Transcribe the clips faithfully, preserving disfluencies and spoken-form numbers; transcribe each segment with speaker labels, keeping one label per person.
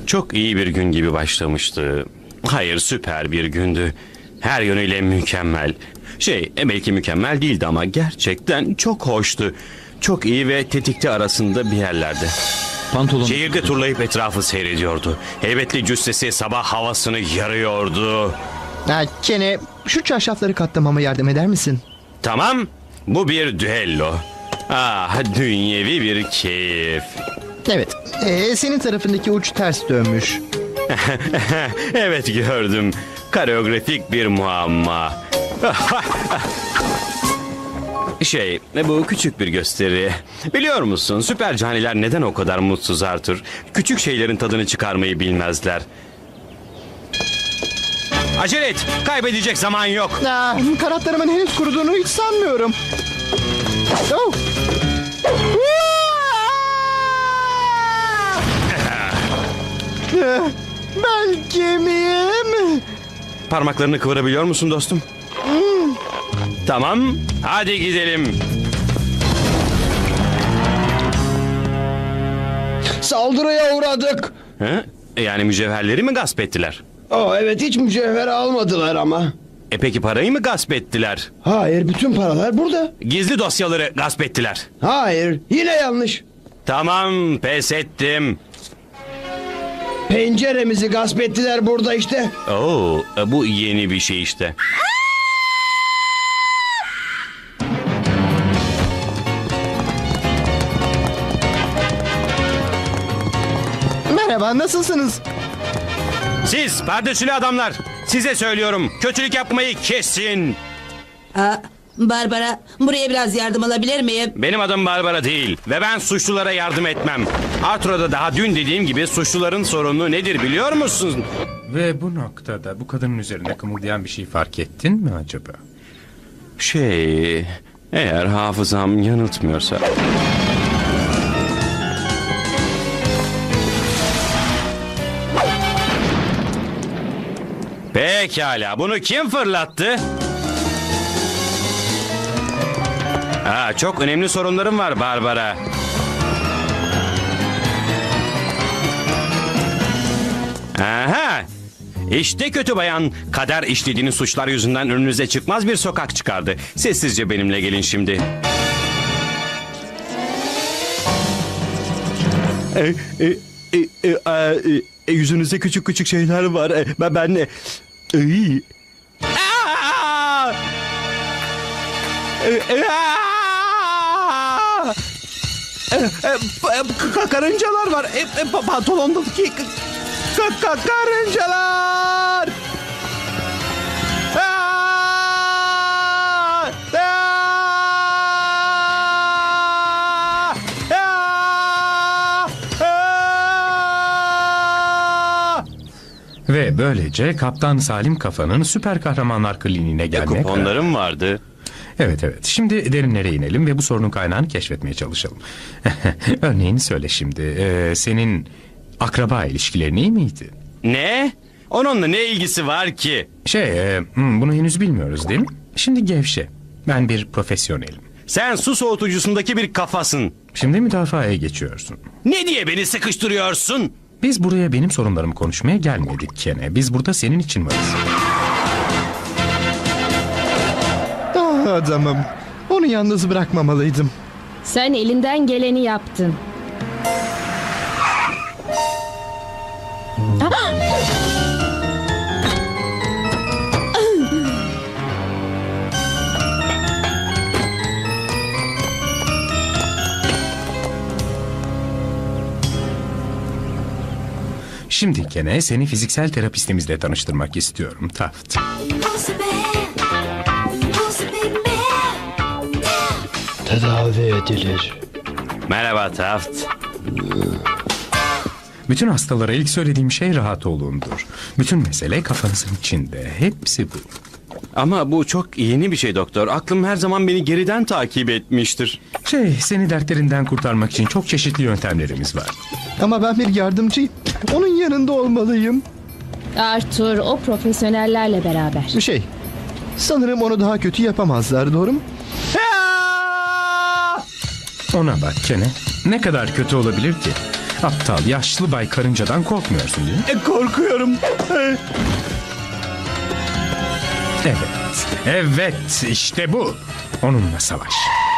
Speaker 1: Çok iyi bir gün gibi başlamıştı. Hayır, süper bir gündü. Her yönüyle mükemmel. Şey, e, belki mükemmel değildi ama gerçekten çok hoştu. Çok iyi ve tetikte arasında bir yerlerde.
Speaker 2: Pantolon.
Speaker 1: Şehirde turlayıp etrafı seyrediyordu. Heybetli cüssesi sabah havasını yarıyordu.
Speaker 3: Ha, Kene, şu çarşafları katlamama yardım eder misin?
Speaker 1: Tamam, bu bir düello. Ah, dünyevi bir keyif.
Speaker 3: Evet. Ee, senin tarafındaki uç ters dönmüş.
Speaker 1: Evet, gördüm. Koreografik bir muamma. Şey, bu küçük bir gösteri. Biliyor musun, süper caniler neden o kadar mutsuz Arthur? Küçük şeylerin tadını çıkarmayı bilmezler. Acele et, kaybedecek zaman yok.
Speaker 3: Aa, kanatlarımın henüz kuruduğunu hiç sanmıyorum. Oh. Ee, Belki miyim?
Speaker 1: Parmaklarını kıvırabiliyor musun dostum? Tamam, hadi gidelim.
Speaker 4: Saldırıya uğradık.
Speaker 1: Ha? Yani mücevherleri mi gasp ettiler?
Speaker 4: Aa, evet, hiç mücevher almadılar ama.
Speaker 1: E peki parayı mı gasp ettiler?
Speaker 4: Hayır, bütün paralar burada.
Speaker 1: Gizli dosyaları gasp ettiler.
Speaker 4: Hayır, yine yanlış.
Speaker 1: Tamam, pes ettim.
Speaker 4: Penceremizi gasp ettiler burada işte.
Speaker 1: Oo, e, bu yeni bir şey işte.
Speaker 3: Merhaba, nasılsınız?
Speaker 1: Siz perdesili adamlar, size söylüyorum, kötülük yapmayı kesin.
Speaker 5: Aa, Barbara, buraya biraz yardım alabilir miyim?
Speaker 1: Benim adım Barbara değil ve ben suçlulara yardım etmem. Arthur'a daha dün dediğim gibi suçluların sorunu nedir biliyor musun?
Speaker 2: Ve bu noktada bu kadının üzerine kımıldayan bir şey fark ettin mi acaba?
Speaker 1: Şey, eğer hafızam yanıltmıyorsa... Pekala, bunu kim fırlattı? Aa, çok önemli sorunlarım var Barbara. Aha! İşte kötü bayan, kader işlediğiniz suçlar yüzünden önünüze çıkmaz bir sokak çıkardı. Sessizce benimle gelin şimdi. E, e, e, e, e, e, yüzünüzde küçük küçük şeyler var. E, ben ben ne? Iy. Aa! E, e, aa! E, e, ka- karıncalar var. E, e, pa- pantolondaki ka- ka- karıncalar. Aa! Aa! Aa! Aa!
Speaker 2: Ve böylece Kaptan Salim Kafa'nın süper kahramanlar kliniğine gelmeye karar-
Speaker 1: Kuponlarım vardı.
Speaker 2: Evet evet. Şimdi derinlere inelim ve bu sorunun kaynağını keşfetmeye çalışalım. Örneğin söyle şimdi. Ee, senin akraba ilişkilerin iyi miydi?
Speaker 1: Ne? Onunla ne ilgisi var ki?
Speaker 2: Şey, e, hmm, bunu henüz bilmiyoruz değil mi? Şimdi gevşe. Ben bir profesyonelim.
Speaker 1: Sen su soğutucusundaki bir kafasın.
Speaker 2: Şimdi müdafaaya geçiyorsun.
Speaker 1: Ne diye beni sıkıştırıyorsun?
Speaker 2: Biz buraya benim sorunlarımı konuşmaya gelmedik Kene. Biz burada senin için varız.
Speaker 3: Ah adamım. Onu yalnız bırakmamalıydım.
Speaker 6: Sen elinden geleni yaptın.
Speaker 2: Şimdi Kene seni fiziksel terapistimizle tanıştırmak istiyorum Taft.
Speaker 4: Tedavi edilir.
Speaker 1: Merhaba Taft.
Speaker 2: Bütün hastalara ilk söylediğim şey rahat olundur. Bütün mesele kafanızın içinde. Hepsi bu.
Speaker 1: Ama bu çok yeni bir şey doktor. Aklım her zaman beni geriden takip etmiştir.
Speaker 2: Şey, seni dertlerinden kurtarmak için çok çeşitli yöntemlerimiz var.
Speaker 3: Ama ben bir yardımcıyım. Onun yanında olmalıyım.
Speaker 6: Arthur o profesyonellerle beraber.
Speaker 3: Şey, sanırım onu daha kötü yapamazlar, doğru mu?
Speaker 2: Ona bak Kene. Ne kadar kötü olabilir ki? Aptal yaşlı bay karıncadan korkmuyorsun değil mi?
Speaker 1: E, korkuyorum. E,
Speaker 2: Evet. Evet işte bu. Onunla savaş.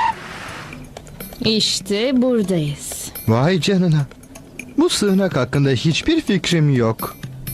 Speaker 6: İşte buradayız.
Speaker 3: Vay canına. Bu sığınak hakkında hiçbir fikrim yok.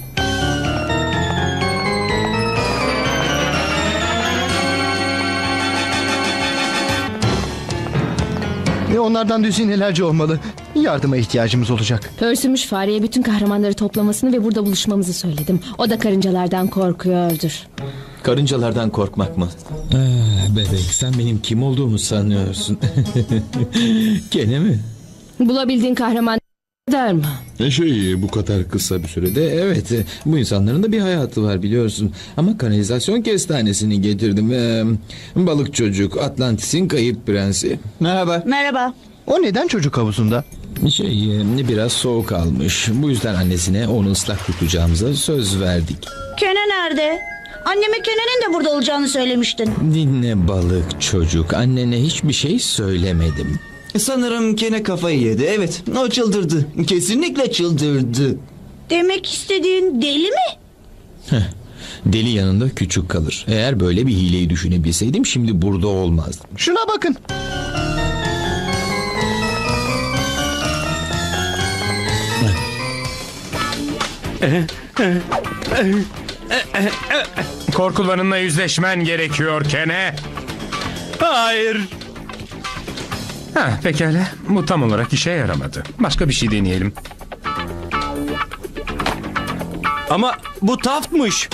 Speaker 3: Ve onlardan düzinelerce olmalı. Yardıma ihtiyacımız olacak.
Speaker 6: Pörsümüş fareye bütün kahramanları toplamasını ve burada buluşmamızı söyledim. O da karıncalardan korkuyordur.
Speaker 7: Karıncalardan korkmak mı? Ah, bebek sen benim kim olduğumu sanıyorsun. Gene mi?
Speaker 6: Bulabildiğin kahraman der mi?
Speaker 7: E Şey bu kadar kısa bir sürede evet e, bu insanların da bir hayatı var biliyorsun. Ama kanalizasyon kestanesini getirdim. Ee, balık çocuk Atlantis'in kayıp prensi. Merhaba.
Speaker 8: Merhaba.
Speaker 3: O neden çocuk havuzunda?
Speaker 7: Şey e, biraz soğuk almış. Bu yüzden annesine onu ıslak tutacağımıza söz verdik.
Speaker 8: Kene nerede? Anneme Kene'nin de burada olacağını söylemiştin.
Speaker 7: Dinle balık çocuk. Annene hiçbir şey söylemedim.
Speaker 9: Sanırım Kene kafayı yedi. Evet, o çıldırdı. Kesinlikle çıldırdı.
Speaker 8: Demek istediğin deli mi?
Speaker 7: Deli yanında küçük kalır. Eğer böyle bir hileyi düşünebilseydim şimdi burada olmazdım.
Speaker 3: Şuna bakın.
Speaker 2: Korkularınla yüzleşmen gerekiyor Kene.
Speaker 1: hayır.
Speaker 2: Ha, pekala. Bu tam olarak işe yaramadı. Başka bir şey deneyelim.
Speaker 1: Ama bu Taft'mış.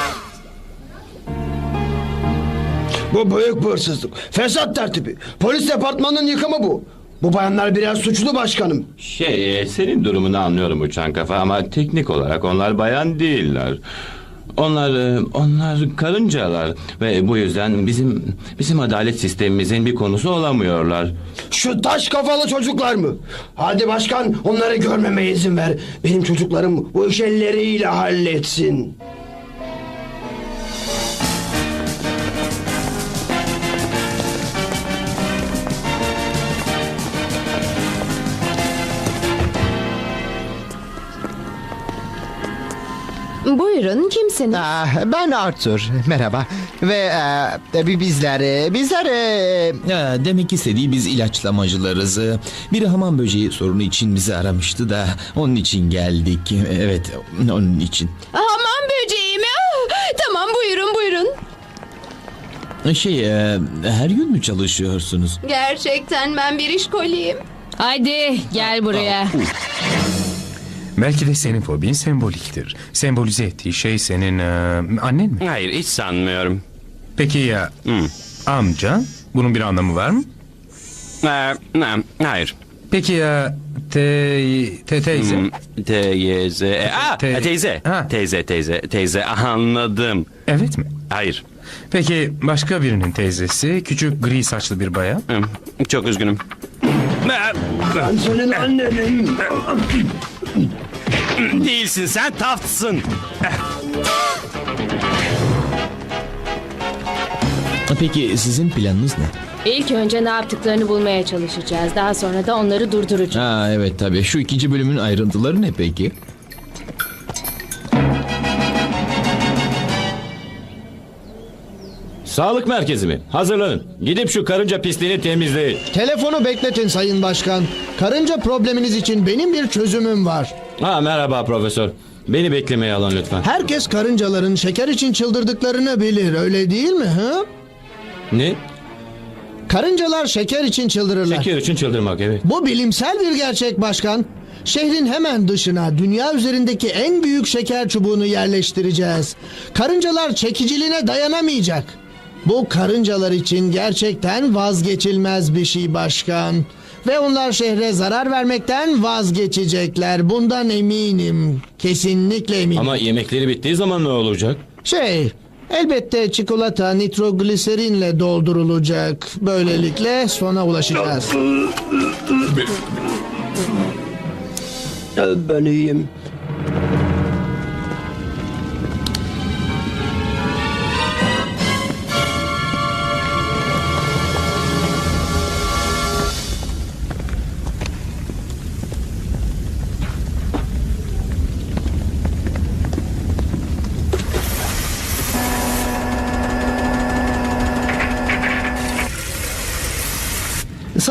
Speaker 4: Bu büyük bir hırsızlık. Fesat tertibi. Polis departmanının yıkımı bu. Bu bayanlar biraz suçlu başkanım.
Speaker 1: Şey, e, senin durumunu anlıyorum uçan kafa ama teknik olarak onlar bayan değiller. Onlar, e, onlar karıncalar ve bu yüzden bizim bizim adalet sistemimizin bir konusu olamıyorlar.
Speaker 4: Şu taş kafalı çocuklar mı? Hadi başkan onları görmeme izin ver. Benim çocuklarım bu iş elleriyle halletsin.
Speaker 6: Buyurun kimsiniz?
Speaker 3: Ah, ben Arthur. Merhaba. Ve e, bi- bizler, e, bizler... e,
Speaker 7: Ya, demek istediği biz ilaçlamacılarız. Bir hamam böceği sorunu için bizi aramıştı da onun için geldik. Evet onun için.
Speaker 6: Hamam böceği mi? Ah, tamam buyurun buyurun.
Speaker 7: Şey e, her gün mü çalışıyorsunuz?
Speaker 10: Gerçekten ben bir işkoliyim.
Speaker 6: Hadi gel buraya.
Speaker 2: Belki de senin fobin semboliktir. Sembolize ettiği şey senin e, annen mi?
Speaker 1: Hayır, hiç sanmıyorum.
Speaker 2: Peki ya
Speaker 1: Hmm.
Speaker 2: amca? Bunun bir anlamı var mı?
Speaker 1: Ee, ne, hayır.
Speaker 2: Peki ya te, te teyze?
Speaker 1: Hmm, Teyze. E, aa,
Speaker 2: Te-
Speaker 1: teyze.
Speaker 2: Ha.
Speaker 1: Teyze, teyze, teyze. Anladım.
Speaker 2: Evet mi?
Speaker 1: Hayır.
Speaker 2: Peki başka birinin teyzesi küçük gri saçlı bir bayan?
Speaker 1: Hmm, Çok üzgünüm.
Speaker 4: Ben senin annenim.
Speaker 1: Değilsin, sen Taft'sın.
Speaker 7: Peki sizin planınız ne?
Speaker 6: İlk önce ne yaptıklarını bulmaya çalışacağız. Daha sonra da onları durduracağız.
Speaker 7: Ha evet tabii. Şu ikinci bölümün ayrıntıları ne peki?
Speaker 11: Sağlık merkezi mi? Hazırlanın. Gidip şu karınca pisliğini temizleyin.
Speaker 4: Telefonu bekletin sayın başkan. Karınca probleminiz için benim bir çözümüm var.
Speaker 11: Ha merhaba profesör. Beni beklemeye alın lütfen.
Speaker 4: Herkes karıncaların şeker için çıldırdıklarını bilir, öyle değil mi? Hı?
Speaker 11: Ne?
Speaker 4: Karıncalar şeker için çıldırırlar.
Speaker 11: Şeker için çıldırmak evet.
Speaker 4: Bu bilimsel bir gerçek başkan. Şehrin hemen dışına dünya üzerindeki en büyük şeker çubuğunu yerleştireceğiz. Karıncalar çekiciliğine dayanamayacak. Bu karıncalar için gerçekten vazgeçilmez bir şey başkan. Ve onlar şehre zarar vermekten vazgeçecekler. Bundan eminim. Kesinlikle eminim.
Speaker 11: Ama yemekleri bittiği zaman ne olacak?
Speaker 4: Şey, elbette çikolata nitrogliserinle doldurulacak. Böylelikle sona ulaşacağız. Ben iyiyim.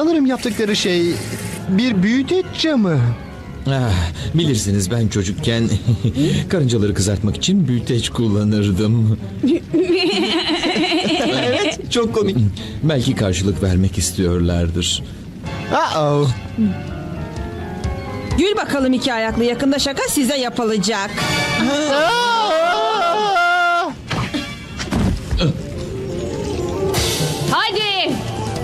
Speaker 3: Sanırım yaptıkları şey bir büyüteç camı.
Speaker 7: Ah, bilirsiniz ben çocukken karıncaları kızartmak için büyüteç kullanırdım.
Speaker 9: Evet, çok komik.
Speaker 7: Belki karşılık vermek istiyorlardır.
Speaker 3: Uh-oh.
Speaker 5: Gül bakalım iki ayaklı, yakında şaka size yapılacak.
Speaker 6: Hadi.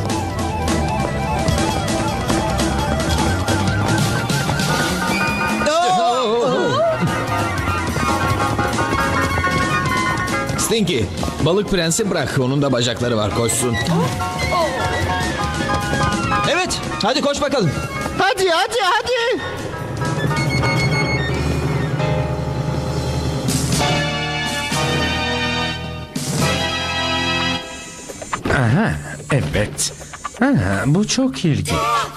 Speaker 7: Stinky, balık prensi bırak. Onun da bacakları var, koşsun.
Speaker 9: Evet, hadi koş bakalım.
Speaker 3: Hadi hadi hadi.
Speaker 2: Aha, evet. Aha, bu çok ilginç.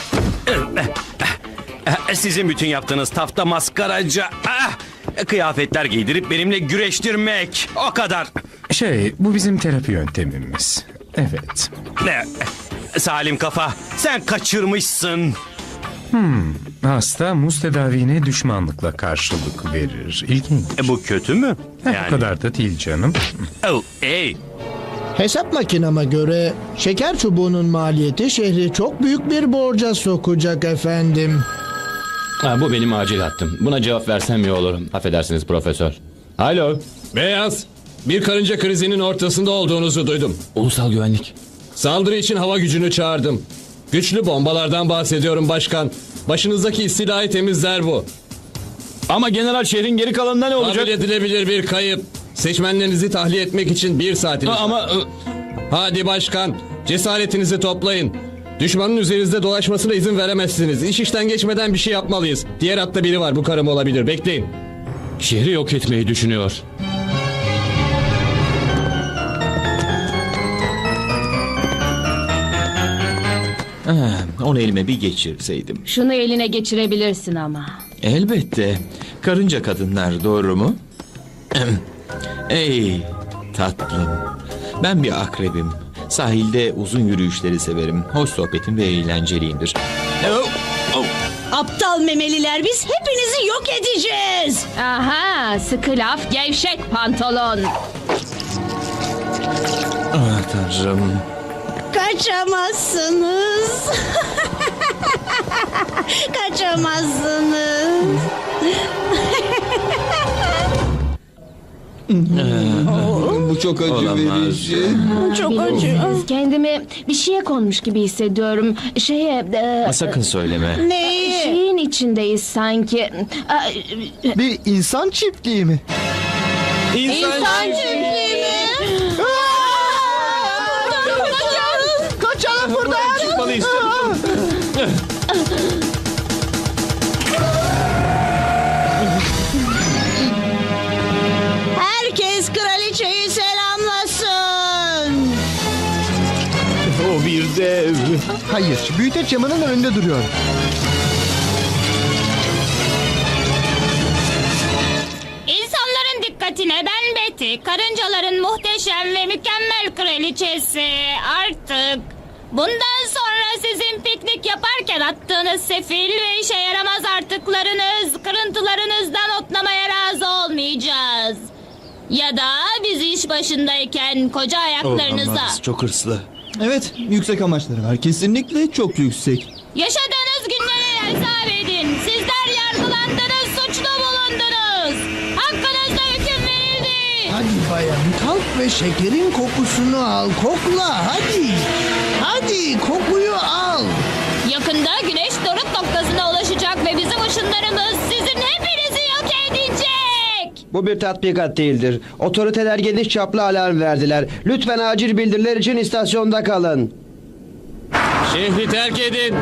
Speaker 1: Sizin bütün yaptığınız tafta maskaraca. Ah! Kıyafetler giydirip benimle güreştirmek. O kadar.
Speaker 2: Şey, bu bizim terapi yöntemimiz. Evet.
Speaker 1: Ne? Salim kafa, sen kaçırmışsın.
Speaker 2: Hasta muz tedavine düşmanlıkla karşılık verir. İlginç.
Speaker 1: E, bu kötü mü?
Speaker 2: Eh, O kadar da değil canım.
Speaker 1: Oh, ey.
Speaker 4: Hesap makinama göre şeker çubuğunun maliyeti şehri çok büyük bir borca sokacak efendim.
Speaker 11: Ha, bu benim acil hattım. Buna cevap versem iyi olurum. Affedersiniz profesör. Alo.
Speaker 12: Beyaz, bir karınca krizinin ortasında olduğunuzu duydum.
Speaker 11: Ulusal güvenlik.
Speaker 12: Saldırı için hava gücünü çağırdım. Güçlü bombalardan bahsediyorum başkan. Başınızdaki istilayı temizler bu.
Speaker 11: Ama general şehrin geri kalanında ne olacak?
Speaker 12: Kabul edilebilir bir kayıp. Seçmenlerinizi tahliye etmek için bir saatiniz
Speaker 11: Ha, ama...
Speaker 12: var. Hadi başkan, cesaretinizi toplayın. Düşmanın üzerinizde dolaşmasına izin veremezsiniz. İş işten geçmeden bir şey yapmalıyız. Diğer hatta biri var, bu karım olabilir. Bekleyin.
Speaker 11: Şehri yok etmeyi düşünüyor.
Speaker 7: Ah, onu elime bir geçirseydim.
Speaker 6: Şunu eline geçirebilirsin ama.
Speaker 7: Elbette. Karınca kadınlar, doğru mu? Ey tatlım. Ben bir akrebim. Sahilde uzun yürüyüşleri severim. Hoş sohbetim ve eğlenceliyimdir. Oh, oh.
Speaker 8: Aptal memeliler, biz hepinizi yok edeceğiz.
Speaker 6: Aha, sıkı laf, gevşek pantolon.
Speaker 7: Ah tanrım.
Speaker 8: Kaçamazsınız. Kaçamazsınız.
Speaker 9: Bu çok acı
Speaker 7: Olamaz.
Speaker 9: verici.
Speaker 8: Çok acı.
Speaker 6: Bilinçsiz, kendimi bir şeye konmuş gibi hissediyorum. Şeye... e,
Speaker 7: Sakın söyleme.
Speaker 8: Neyi?
Speaker 6: Şeyin içindeyiz sanki. Aa,
Speaker 3: Bir insan çiftliği mi?
Speaker 8: İnsan çiftliği mi?
Speaker 3: Kaçalım buradan.
Speaker 7: Çıkmalıyız.
Speaker 8: Herkes kraliçeyi selamlasın.
Speaker 7: O bir dev.
Speaker 3: Hayır, büyüteç camının önünde duruyor.
Speaker 10: İnsanların dikkatine, ben Betty, karıncaların muhteşem ve mükemmel kraliçesi. Artık bundan sonra sizin piknik yaparken attığınız sefil ve işe yaramaz artıklarınız, kırıntılarınızdan otlamaya razı olmayacağız. Ya da biz iş başındayken koca ayaklarınıza...
Speaker 7: Olamaz, çok hırslı.
Speaker 9: Evet, yüksek amaçları var. Kesinlikle çok yüksek.
Speaker 10: Yaşadığınız günlere hesap edin. Sizler yargılandınız, suçlu bulundunuz. Hakkınızda hüküm verildi.
Speaker 4: Hadi bayan, kalk ve şekerin kokusunu al. Kokla hadi. Hadi kokuyu al.
Speaker 10: Yakında güneş doruk noktasına ulaşacak ve bizim ışınlarımız sizin hepinizi yok edecek.
Speaker 13: Bu bir tatbikat değildir. Otoriteler geniş çaplı alarm verdiler. Lütfen acil bildiriler için istasyonda kalın.
Speaker 12: Şehri terk edin.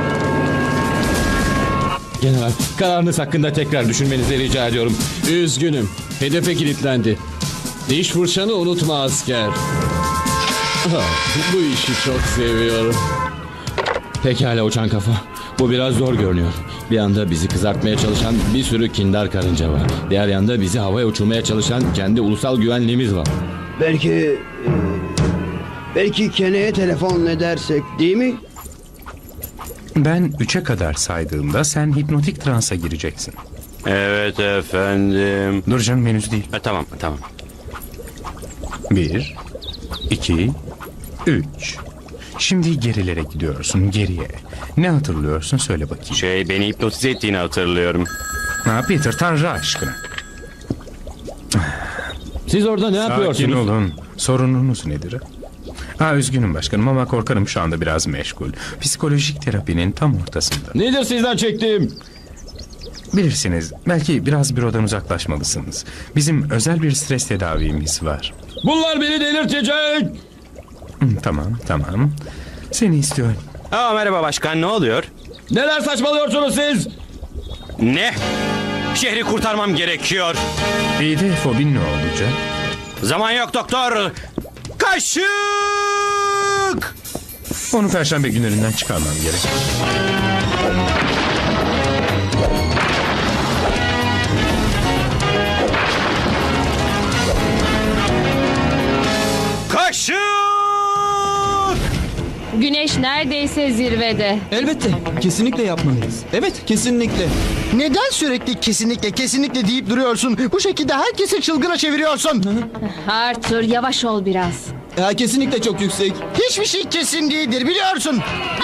Speaker 11: General, kararınız hakkında tekrar düşünmenizi rica ediyorum.
Speaker 12: Üzgünüm. Hedefe kilitlendi. Diş fırçanı unutma asker. Ah, bu işi çok seviyorum.
Speaker 11: Pekala uçan kafa. Bu biraz zor görünüyor. Bir yanda bizi kızartmaya çalışan bir sürü kindar karınca var. Diğer yanda bizi havaya uçurmaya çalışan kendi ulusal güvenliğimiz var.
Speaker 13: Belki... e, belki Kene'ye telefon edersek değil mi?
Speaker 2: Ben üçe kadar saydığımda sen hipnotik transa gireceksin.
Speaker 1: Evet efendim.
Speaker 2: Dur canım, henüz değil.
Speaker 1: E, tamam tamam.
Speaker 2: Bir, iki, üç. Şimdi gerilere gidiyorsun, geriye. Ne hatırlıyorsun, söyle bakayım.
Speaker 1: Şey, beni hipnotize ettiğini hatırlıyorum.
Speaker 2: Ha Peter, Tanrı aşkına.
Speaker 11: Siz orada ne
Speaker 2: Sakin
Speaker 11: yapıyorsunuz?
Speaker 2: olun. Sorununuz nedir? Ha üzgünüm başkanım ama korkarım şu anda biraz meşgul. Psikolojik terapinin tam ortasında.
Speaker 11: Nedir sizden çektiğim?
Speaker 2: Bilirsiniz, belki biraz bürodan uzaklaşmalısınız. Bizim özel bir stres tedavimiz var.
Speaker 11: Bunlar beni delirtecek.
Speaker 2: Hı, tamam, tamam. Seni istiyorum.
Speaker 1: Aa, merhaba başkan, ne oluyor?
Speaker 11: Neler saçmalıyorsunuz siz?
Speaker 1: Ne? Şehri kurtarmam gerekiyor.
Speaker 2: İyi de fobin ne olacak?
Speaker 1: Zaman yok doktor. Kaşık!
Speaker 2: Onu perşembe günlerinden çıkarmam gerek.
Speaker 1: Kaşık!
Speaker 6: Güneş neredeyse zirvede.
Speaker 9: Elbette. Kesinlikle yapmalıyız. Evet, kesinlikle.
Speaker 3: Neden sürekli kesinlikle kesinlikle deyip duruyorsun? Bu şekilde herkesi çılgına çeviriyorsun.
Speaker 6: Arthur, yavaş ol biraz.
Speaker 9: Ya, kesinlikle çok yüksek.
Speaker 3: Hiçbir şey kesin değildir biliyorsun.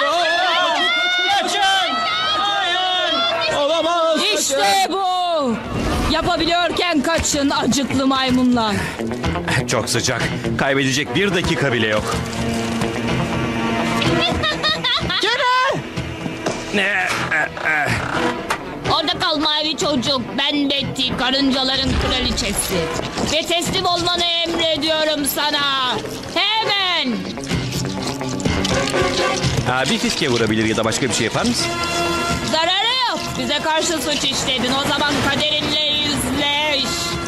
Speaker 11: Olamaz.
Speaker 10: İşte bu. Yapabiliyorken kaçın acıklı maymunlar.
Speaker 1: Çok sıcak. Kaybedecek bir dakika bile yok. Ne?
Speaker 10: Orada kal mavi çocuk. Ben Betty, karıncaların kraliçesi. Ve teslim olmanı emrediyorum sana. Hemen.
Speaker 1: Ha, bir fiske vurabilir ya da başka bir şey yapar mısın?
Speaker 10: Zararı yok. Bize karşı suç işledin. O zaman kaderinle yüzleş.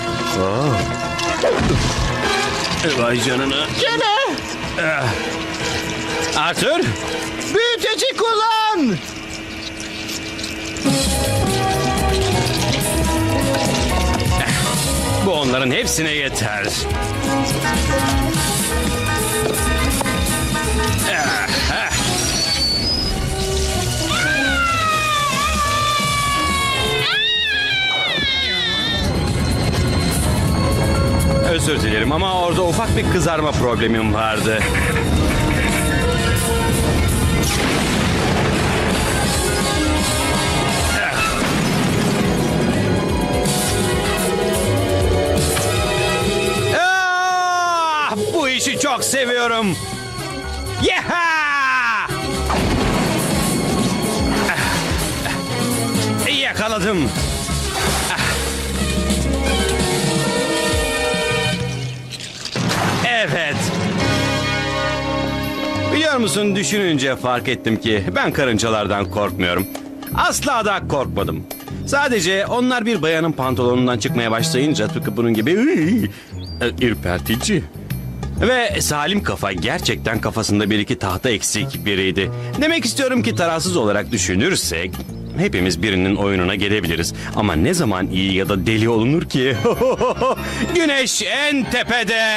Speaker 1: Vay canına.
Speaker 3: Gene
Speaker 1: Arthur?
Speaker 3: büyüteci kullan.
Speaker 1: Bu onların hepsine yeter. Ah, ah. Özür dilerim ama orada ufak bir kızarma problemim vardı. Ah, bu işi çok seviyorum. Yeha! Ah, yakaladım. Ah. Evet. Biliyor musun, düşününce fark ettim ki ben karıncalardan korkmuyorum. Asla da korkmadım. Sadece onlar bir bayanın pantolonundan çıkmaya başlayınca tıpkı bunun gibi ıy, ürpertici. Ve Salim Kafa gerçekten kafasında bir iki tahta eksik biriydi. Demek istiyorum ki tarafsız olarak düşünürsek hepimiz birinin oyununa gelebiliriz. Ama ne zaman iyi ya da deli olunur ki? Güneş en tepede.